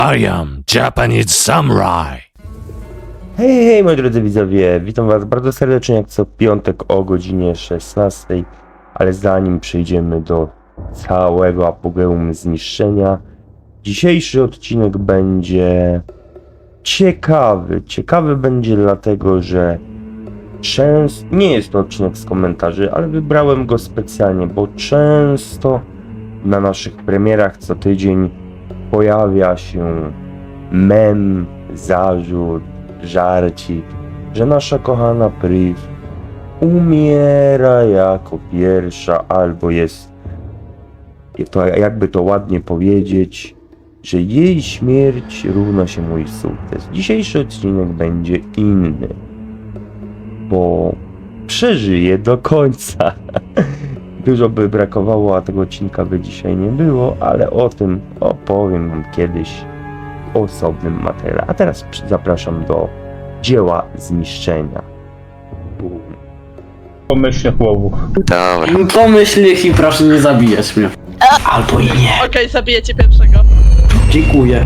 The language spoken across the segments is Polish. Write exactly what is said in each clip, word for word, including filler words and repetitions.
I am Japanese Samurai. Hej, hej, moi drodzy widzowie, witam was bardzo serdecznie jak co piątek o godzinie szesnastej, ale zanim przejdziemy do całego apogeum zniszczenia, dzisiejszy odcinek będzie ciekawy. Ciekawy będzie dlatego, że często, nie jest to odcinek z komentarzy, ale wybrałem go specjalnie, bo często na naszych premierach co tydzień pojawia się mem, zarzut, żarcik, że nasza kochana Priv umiera jako pierwsza, albo jest, to jakby to ładnie powiedzieć, że jej śmierć równa się mój sukces. Dzisiejszy odcinek będzie inny, bo przeżyję do końca. Dużo by brakowało, a tego odcinka by dzisiaj nie było, ale o tym opowiem wam kiedyś w osobnym materiale. A teraz zapraszam do dzieła zniszczenia. Bum. Pomyślnych łowów. Dobra. Pomyśl i proszę nie zabijać mnie. Albo i nie. Okej, zabiję cię pierwszego. Dziękuję.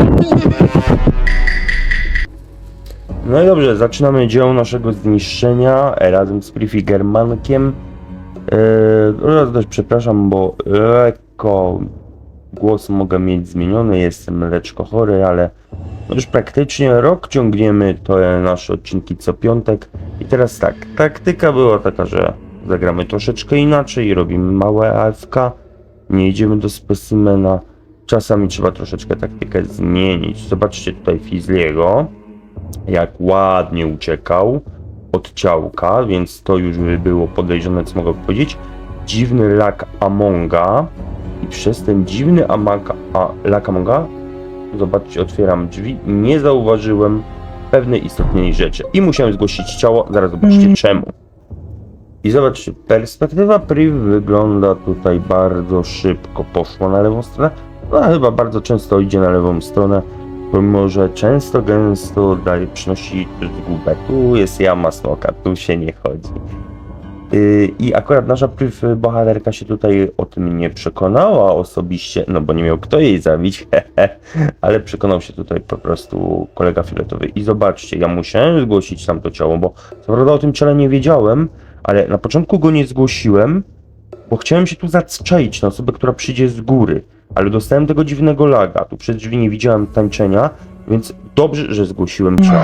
No i dobrze, zaczynamy dzieło naszego zniszczenia razem z Priv i Germankiem. Yy, też przepraszam, bo lekko głos mogę mieć zmieniony, jestem leczko chory, ale już praktycznie rok ciągniemy te nasze odcinki co piątek. I teraz tak, taktyka była taka, że zagramy troszeczkę inaczej, robimy małe A F K, nie idziemy do specimena, czasami trzeba troszeczkę taktykę zmienić. Zobaczcie tutaj Fizzliego, jak ładnie uciekał od ciałka, więc to już by było podejrzane, co mogę powiedzieć. Dziwny lak Amonga i przez ten dziwny amaka, a, lak Amonga, zobaczcie, otwieram drzwi, nie zauważyłem pewnej istotnej rzeczy i musiałem zgłosić ciało, zaraz zobaczcie czemu. I zobaczcie, perspektywa Priv wygląda tutaj bardzo szybko, poszła na lewą stronę, no chyba bardzo często idzie na lewą stronę, pomimo że często, gęsto daje, przynosi zgubę. Tu jest jama smoka, tu się nie chodzi. Yy, I akurat nasza Priv bohaterka się tutaj o tym nie przekonała osobiście, no bo nie miał kto jej zabić, ale przekonał się tutaj po prostu kolega fioletowy. I zobaczcie, ja musiałem zgłosić tamto ciało, bo co prawda o tym ciele nie wiedziałem, ale na początku go nie zgłosiłem, bo chciałem się tu zaczaić na osobę, która przyjdzie z góry. Ale dostałem tego dziwnego laga, tu przez drzwi nie widziałem tańczenia, więc dobrze, że zgłosiłem ciało.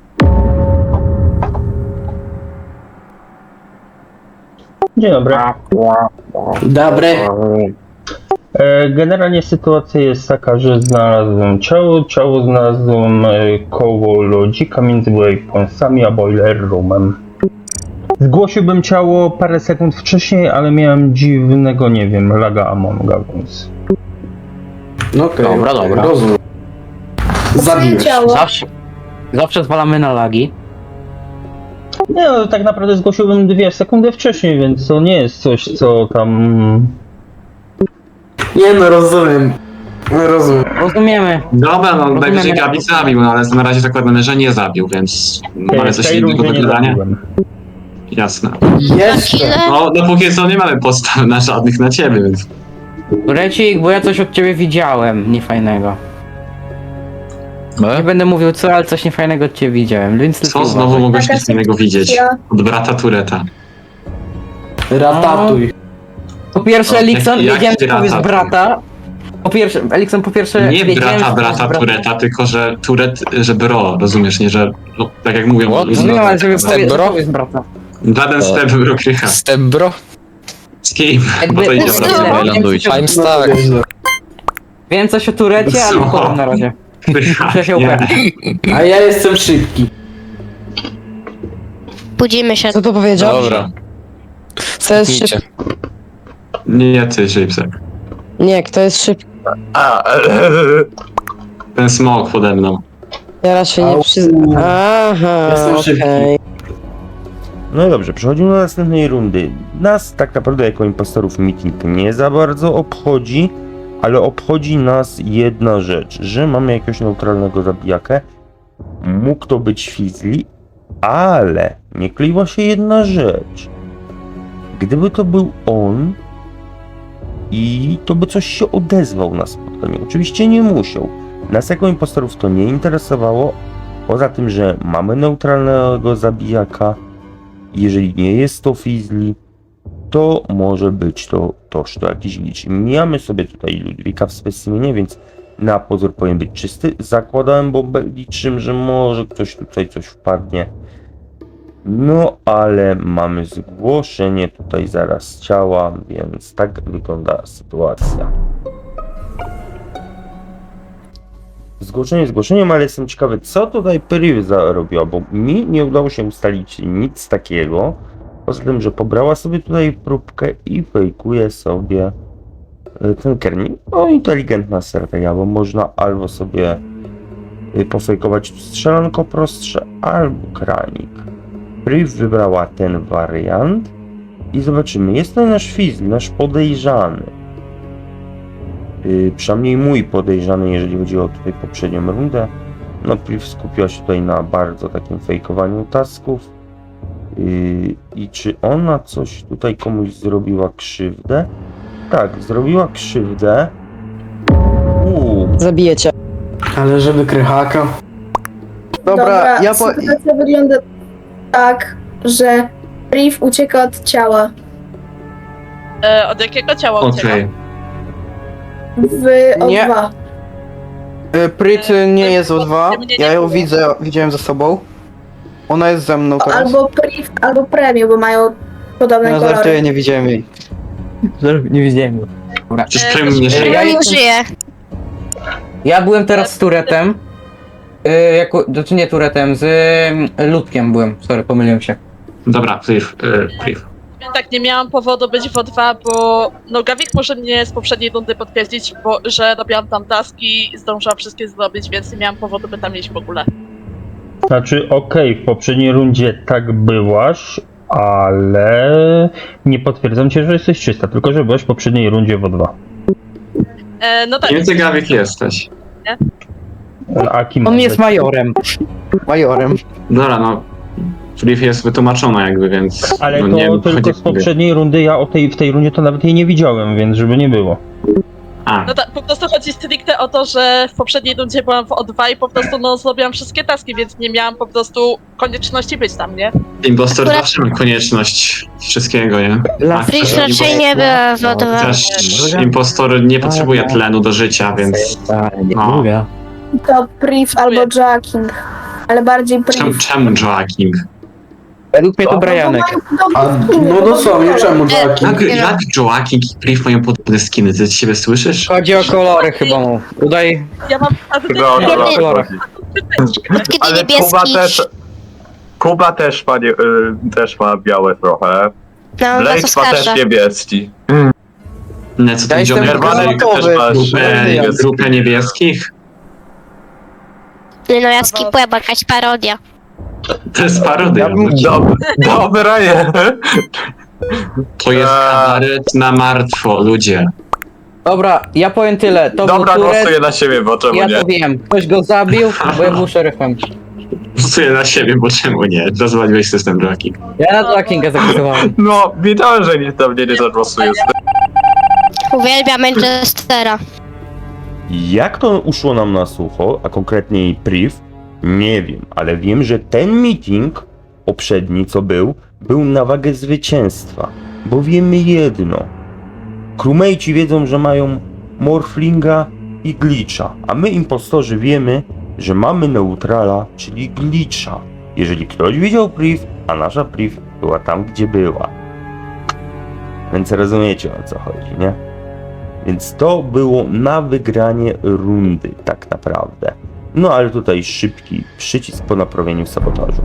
Dzień dobry. Dobry. E, Generalnie sytuacja jest taka, że znalazłem ciało. Ciało znalazłem e, koło lodzika między waypointsami a boiler roomem. Zgłosiłbym ciało parę sekund wcześniej, ale miałem dziwnego, nie wiem, laga Amonga, więc... No okej. Dobra, dobra. Rozumiem. Zabiłeś. Zawsze, zawsze zwalamy na lagi. Nie, no, tak naprawdę zgłosiłbym dwie sekundy wcześniej, więc to nie jest coś, co tam... Nie no, rozumiem. No, rozumiem. Rozumiemy. Dobra, no Rozumiemy. najwyżej Gabi zabił, no ale na razie zakładamy, że nie zabił, więc mamy w coś tej innego do rundzie nie gadania. zabiłem. Jasne. Jeszcze. No dopóki co nie mamy postaw na żadnych na ciebie, więc... Recik, bo ja coś od ciebie widziałem niefajnego. Nie będę mówił co, ale coś niefajnego od ciebie widziałem, więc Co lepiej znowu uważaj. mogłeś nic innego widzieć? Od brata Tureta. Ratatuj. Po pierwsze, O, Elikson, jaki- wiedziałem, że jaki powiesz rata? brata. Po pierwsze, Elikson, po pierwsze, Nie wiedziałem, brata, że powiesz brata Tureta, tylko że Turet, że bro, rozumiesz, nie, że... No, tak jak mówią... What? ludzie, No, ale żeby że- powie, bro? powiesz brata. Żaden step bro krycha. Step bro? Z kim? Jakby- Bo to idzie Wiem, od razu wiem, do lądujcie. wiem, I'm stuck. Wiem coś o Turecie, ale nie Co? powiem na razie. Krycha, Muszę się nie. upewnić. A ja jestem szybki. Budzimy się. Co to powiedział? Dobra. Kto jest Idźcie. szybki? Nie, ty, Shapesek. Nie, kto jest szybki? Ten smok pode mną. Ja raczej nie Au. przyznam. Aha, Jestem szybki. okej. No i dobrze, przechodzimy do następnej rundy. Nas tak naprawdę jako impostorów meeting nie za bardzo obchodzi, ale obchodzi nas jedna rzecz, że mamy jakiegoś neutralnego zabijakę. Mógł to być Fizzli, ale nie kleiła się jedna rzecz. Gdyby to był on i to by coś się odezwał na spotkaniu. Oczywiście nie musiał. Nas jako impostorów to nie interesowało, poza tym, że mamy neutralnego zabijaka. Jeżeli nie jest to Fizzly, to może być to toż to jakiś glitch. Mijamy sobie tutaj Ludwika w specimenie, więc na pozór powinien być czysty. Zakładałem bombę, liczyłem, że może ktoś tutaj coś wpadnie. No ale mamy zgłoszenie tutaj zaraz ciała, więc tak wygląda sytuacja. Zgłoszenie zgłoszeniem, ale jestem ciekawy, co tutaj Priv zarobiła, bo mi nie udało się ustalić nic takiego. Poza tym, że pobrała sobie tutaj próbkę i fejkuje sobie y, ten kernik. No, inteligentna strategia, bo można albo sobie y, pofejkować strzelanko prostsze, albo kranik. Priv wybrała ten wariant i zobaczymy. Jest to nasz Fizzly, nasz podejrzany. Yy, przynajmniej mój podejrzany, jeżeli chodzi o tutaj poprzednią rundę. No, Priv skupiła się tutaj na bardzo takim fejkowaniu tasków. Yy, I czy ona coś tutaj komuś zrobiła krzywdę? Tak, zrobiła krzywdę. Uuu, Zabiję cię. Ale żeby krychaka. Dobra, ja po... sytuacja wygląda tak, że Priv ucieka od ciała. E, od jakiego ciała ucieka? Okej. W Nie. O dwa. Y, Pryt nie jest o dwa. Mnie nie Ja ją było. widzę, widziałem ze sobą. Ona jest ze mną teraz. Albo Priv, albo Premium, bo mają podobne Ja kolory. żartuję, nie widziałem jej. Nie widziałem go. Dobra. Przecież E, premium nie to- żyje. Ja, nie żyje. ja byłem teraz z Turetem. Y, jako, znaczy nie Turetem, z y, Ludkiem byłem. Sorry, pomyliłem się. Dobra, Priv, y, Priv. Tak, nie miałam powodu być w O dwa, bo no Gawik może mnie z poprzedniej rundy potwierdzić, bo że robiłam tam taski, zdążyłam wszystkie zrobić, więc nie miałam powodu, by tam iść w ogóle. Znaczy, okej, w poprzedniej rundzie tak byłaś, ale nie potwierdzam cię, że jesteś czysta, tylko że byłaś w poprzedniej rundzie w O dwa. E, no tak, Nie wiem, ty Gawik jesteś. A kim On ma jest być? majorem. Majorem. Dobra, no. Priv jest wytłumaczona jakby, więc... Ale no, to nie wiem, tylko chodzi- z poprzedniej rundy, ja o tej, w tej rundzie to nawet jej nie widziałem, więc żeby nie było. A, no tak, po prostu chodzi stricte o to, że w poprzedniej rundzie byłam w O dwa i po prostu no zrobiłam wszystkie taski, więc nie miałam po prostu konieczności być tam, nie? impostor Akurat- zawsze ma konieczność wszystkiego, nie? A, Priv też raczej impostor- nie była w O dwa. Też impostor nie potrzebuje tlenu do życia, więc... Nie No. mówię. To Priv albo Jacking. Ale bardziej Czemu, Priv. czemu Joaking? Według mnie to No, bo Brianek. mają podobne A skiny, no to dosłownie, podobne czemu kolory. Jackie? Jak, Nie jak Joaking i Priv mają podobne skiny? Ty siebie słyszysz? Chodzi o kolory chyba mu. Udaj Ja mam... A ty Chyba o Nie, to nie. kolorach. Kiedy Ale Kuba niebieski. też, Kuba też ma, nie, y, też ma białe trochę. No, was Blade ma też oskarża. niebieski. Nie, co Ja ten jestem Johnny Herbanek granatowy. też masz grupę, niebieski. grupę niebieskich? Nie no, ja skipuję, bo jakaś parodia. To jest parodia. Ja bym- Dob- Dobra, nie. To jest Eee. kabaret na martwo, ludzie. Dobra, ja powiem tyle. To Dobra, był głosuję Turet. na siebie, bo czemu Ja nie? to wiem. Ktoś go zabił, bo ja był szeryfem. Głosuję na siebie, bo czemu nie? Rozwaliłeś system Joaking. Ja na Jackinga zagłosowałem. No, wiedziałem, że nikt na mnie nie zagłosuje. Uwielbiam Manchestera. jak to uszło nam na sucho, a konkretniej Priv, nie wiem, ale wiem, że ten meeting poprzedni, co był, był na wagę zwycięstwa. Bo wiemy jedno. Crewmate'ci wiedzą, że mają Morflinga i Glitcha, a my impostorzy wiemy, że mamy neutrala, czyli Glitcha. Jeżeli ktoś widział Priv, a nasza Priv była tam, gdzie była. Więc rozumiecie, o co chodzi, nie? Więc to było na wygranie rundy, tak naprawdę. No ale tutaj szybki przycisk po naprawieniu sabotażu.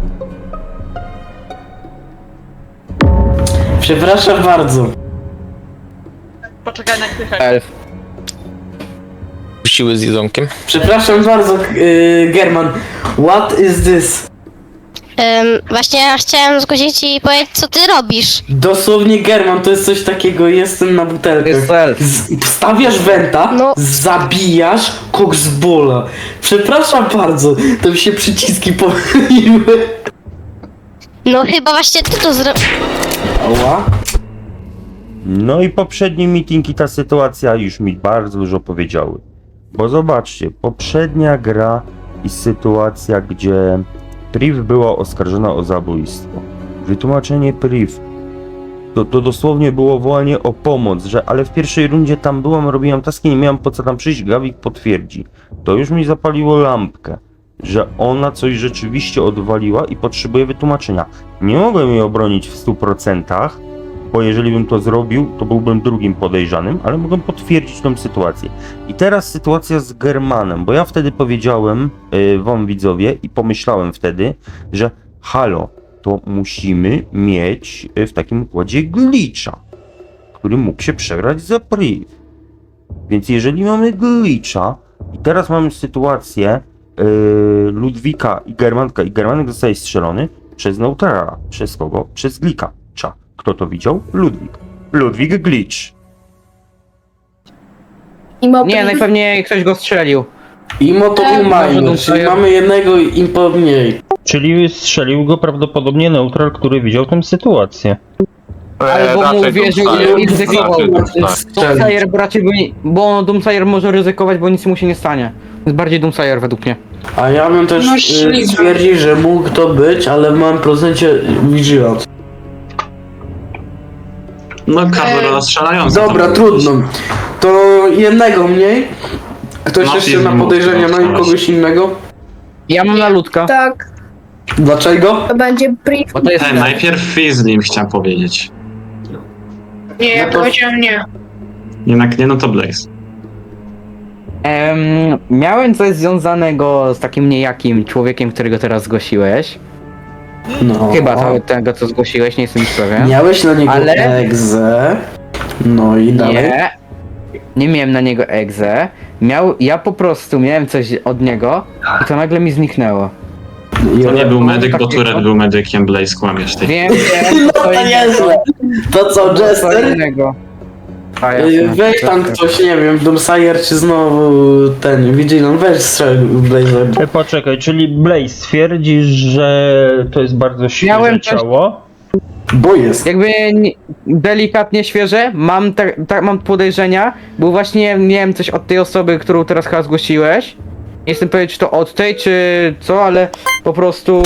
Przepraszam bardzo. Poczekaj na krychę. Elf. Puściły z jedzonkiem. Przepraszam bardzo, yy, German. What is this? Ym, właśnie ja chciałem zgłosić i powiedzieć, co ty robisz. Dosłownie German, to jest coś takiego, jestem na To butelkach. jest elf. Z, wstawiasz wenta, No. zabijasz koksbola. Przepraszam bardzo, to mi się przyciski pomyliły. No chyba właśnie ty to zro... Ała. No i poprzedni meeting i ta sytuacja już mi bardzo dużo powiedziały. Bo zobaczcie, poprzednia gra i sytuacja, gdzie Priv była oskarżona o zabójstwo. Wytłumaczenie Priv. To, to dosłownie było wołanie o pomoc, że ale w pierwszej rundzie tam byłam, robiłam taski, nie miałam po co tam przyjść, Gawik potwierdzi. To już mi zapaliło lampkę, że ona coś rzeczywiście odwaliła i potrzebuje wytłumaczenia. Nie mogłem jej obronić w stu procentach, bo jeżeli bym to zrobił, to byłbym drugim podejrzanym, ale mogłem potwierdzić tą sytuację. I teraz sytuacja z Germanem, bo ja wtedy powiedziałem yy, wam widzowie i pomyślałem wtedy, że halo, to musimy mieć w takim układzie glitcha, który mógł się przegrać za Priv. Więc jeżeli mamy glitcha i teraz mamy sytuację yy, Ludwika i Germanka i Germanek zostaje strzelony przez neutrala. Przez kogo? Przez glitcha. Kto to widział? Ludwik. Ludwik glitch. Imo Nie, Priv- najpewniej ktoś go strzelił. Imo to Tak. był Może minor, Doom czyli Slayer. mamy jednego impo mniej. Czyli strzelił go prawdopodobnie neutral, który widział tę sytuację. Albo mu raczej uwierzył Doomsayer. i ryzykował. Raczej Doomsayer. Doomsayer raczej by nie, bo Doomsayer może ryzykować, bo nic mu się nie stanie. Jest bardziej Doomsayer według mnie. A ja bym też No, y, śliczne. stwierdził, że mógł to być, ale w małym procencie Vigilance. No, każdy strzelający. Dobra, tam trudno. To jednego mniej. Ktoś No, jeszcze film na mógł podejrzenia, no i strzelać. kogoś innego. Ja mam na ludka, Tak, Dlaczego? to będzie Priv. bo to jest... E, najpierw Fizzlim chciałem powiedzieć. Nie, ja No to- powiedziałem nie. Jednak nie, no to Blaze. Em, miałem coś związanego z takim niejakim człowiekiem, którego teraz zgłosiłeś. No. Chyba to, tego, co zgłosiłeś, nie jestem już pewien. Miałeś na niego Ale- egzę. No i dalej. Nie, nie miałem na niego egzę. Miał, ja po prostu miałem coś od niego i to nagle mi zniknęło. I To nie był medyk, bo takiego. Turet był medykiem, Blaze kłamiesz tej. Wiem, wiem, No to niezłe. To co, Co Jester? innego. A, Y, jasne. Weź tam ktoś, nie wiem, Doomsayer czy znowu ten Vigilance, weź strzel Blazer. E, Poczekaj, czyli Blaze twierdzi, że to jest bardzo świeże Miałem też- ciało. Bo jest. Jakby nie- delikatnie świeże, mam, tak tak mam podejrzenia, bo właśnie miałem coś od tej osoby, którą teraz chyba zgłosiłeś. Nie jestem pewien, czy to od tej, czy co, ale po prostu...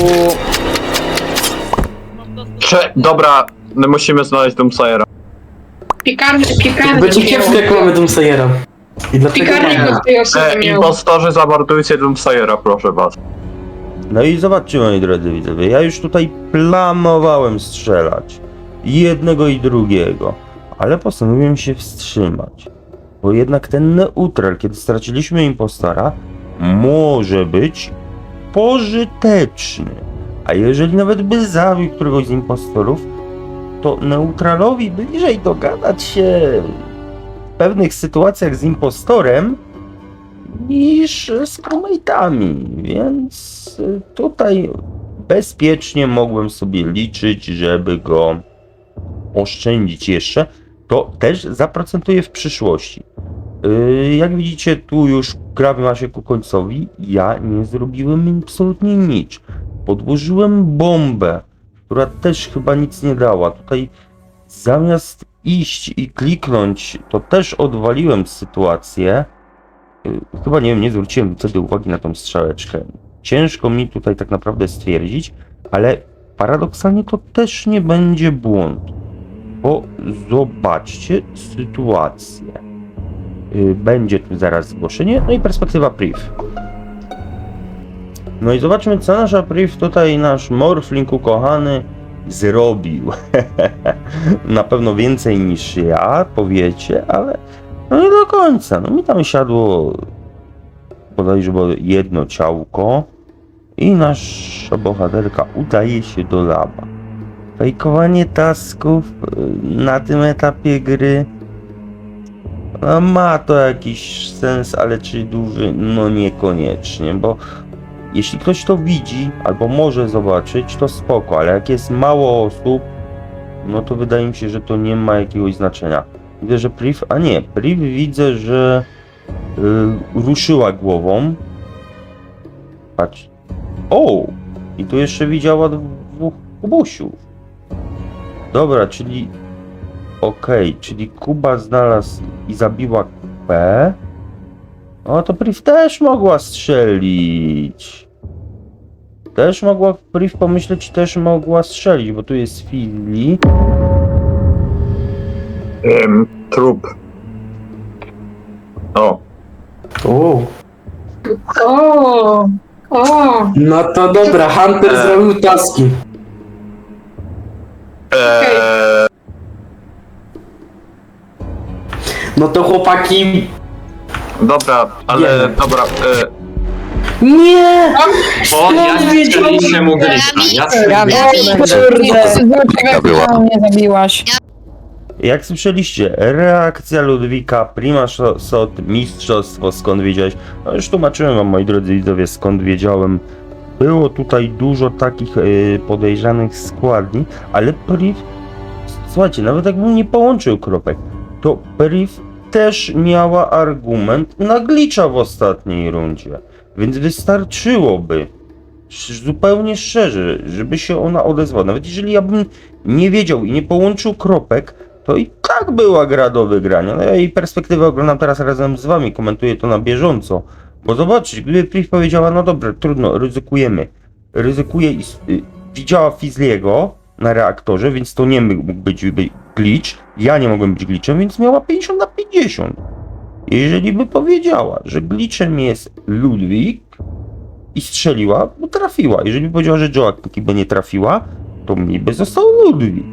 Cze, dobra, my musimy znaleźć Doomsayera. Piekarny, piekarny Będzie kiepsko jak mamy Doomsayera. I dlatego Piekarnik mamy. od tej osoby E, miał. impostorzy, zamordujcie Doomsayera, proszę was. No i zobaczcie, moi drodzy widzowie, ja już tutaj planowałem strzelać jednego i drugiego, ale postanowiłem się wstrzymać, bo jednak ten neutral, kiedy straciliśmy impostora, może być pożyteczny, a jeżeli nawet by zabił któregoś z impostorów, to neutralowi bliżej dogadać się w pewnych sytuacjach z impostorem niż z crewmate'ami, więc tutaj bezpiecznie mogłem sobie liczyć, żeby go oszczędzić jeszcze. To też zaprocentuje w przyszłości. Yy, jak widzicie, tu już gra ma się ku końcowi. Ja nie zrobiłem absolutnie nic. Podłożyłem bombę, która też chyba nic nie dała. Tutaj zamiast iść i kliknąć, to też odwaliłem sytuację. Yy, Chyba nie wiem, nie zwróciłem wtedy uwagi na tą strzałeczkę. Ciężko mi tutaj tak naprawdę stwierdzić, ale paradoksalnie to też nie będzie błąd. Bo zobaczcie sytuację. Yy, Będzie tu zaraz zgłoszenie, no i perspektywa priv. No i zobaczmy, co nasza priv tutaj, nasz morfling ukochany, zrobił. Na pewno więcej niż ja, powiecie, ale no nie do końca. No mi tam siadło bodajże było jedno ciałko i nasza bohaterka udaje się do laba. Fejkowanie tasków y, na tym etapie gry no, ma to jakiś sens, ale czy duży? No niekoniecznie, bo jeśli ktoś to widzi albo może zobaczyć, to spoko, ale jak jest mało osób, no to wydaje mi się, że to nie ma jakiegoś znaczenia. Widzę, że priv, a nie, priv widzę, że y, ruszyła głową. Patrz. O! I tu jeszcze widziała dwóch kubusiów. Dobra, czyli okej, czyli Kuba znalazł i zabiła Kupę. O, to Priv też mogła strzelić. Też mogła, Priv pomyśleć, też mogła strzelić, bo tu jest Fili. Ym, trup. O, O, O, o. no to dobra, Hunter Eee. zrobił taski. eee, No to chłopaki... dobra, ale Wiemy. dobra, e, Nie! Bo ja strzeliście mu glitcha. Ja strzeliłem. mnie zabiłaś. Jak słyszeliście, reakcja Ludwika, prima shot, mistrzostwo, skąd wiedziałeś? No już tłumaczyłem wam, moi drodzy widzowie, skąd wiedziałem. Było tutaj dużo takich y, podejrzanych składni, ale Priv, słuchajcie, nawet jakbym nie połączył kropek, to Priv też miała argument na glitcha w ostatniej rundzie. Więc wystarczyłoby, sz- zupełnie szczerze, żeby się ona odezwała. Nawet jeżeli ja bym nie wiedział i nie połączył kropek, to i tak była gra do wygrania. No ja jej perspektywę oglądam teraz razem z wami, komentuję to na bieżąco. Bo zobaczcie, gdyby Priv powiedziała, no dobra, trudno, ryzykujemy. Ryzykuje i s- y, widziała Fizliego na reaktorze, więc to nie mógł być by- glitch. Ja nie mogłem być glitchem, więc miała pięćdziesiąt na pięćdziesiąt. Jeżeli by powiedziała, że glitchem jest Ludwik i strzeliła, bo trafiła. Jeżeli by powiedziała, że Joaquin by nie trafiła, to mi by został Ludwik.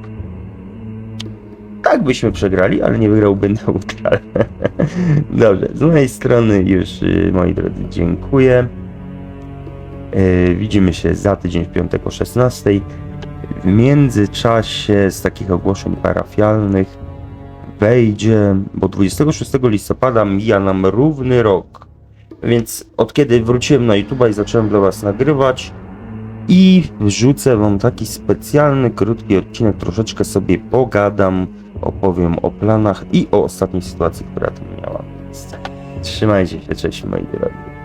Tak byśmy przegrali, ale nie wygrałby neutral. Dobrze, z mojej strony już, y, moi drodzy, dziękuję. Y, Widzimy się za tydzień w piątek o szesnastej. W międzyczasie z takich ogłoszeń parafialnych wejdzie, bo dwudziestego szóstego listopada mija nam równy rok. Więc od kiedy wróciłem na YouTube'a i zacząłem dla was nagrywać i wrzucę wam taki specjalny, krótki odcinek, troszeczkę sobie pogadam, opowiem o planach i o ostatniej sytuacji, która tu miała miejsce. Trzymajcie się, cześć moi drodzy.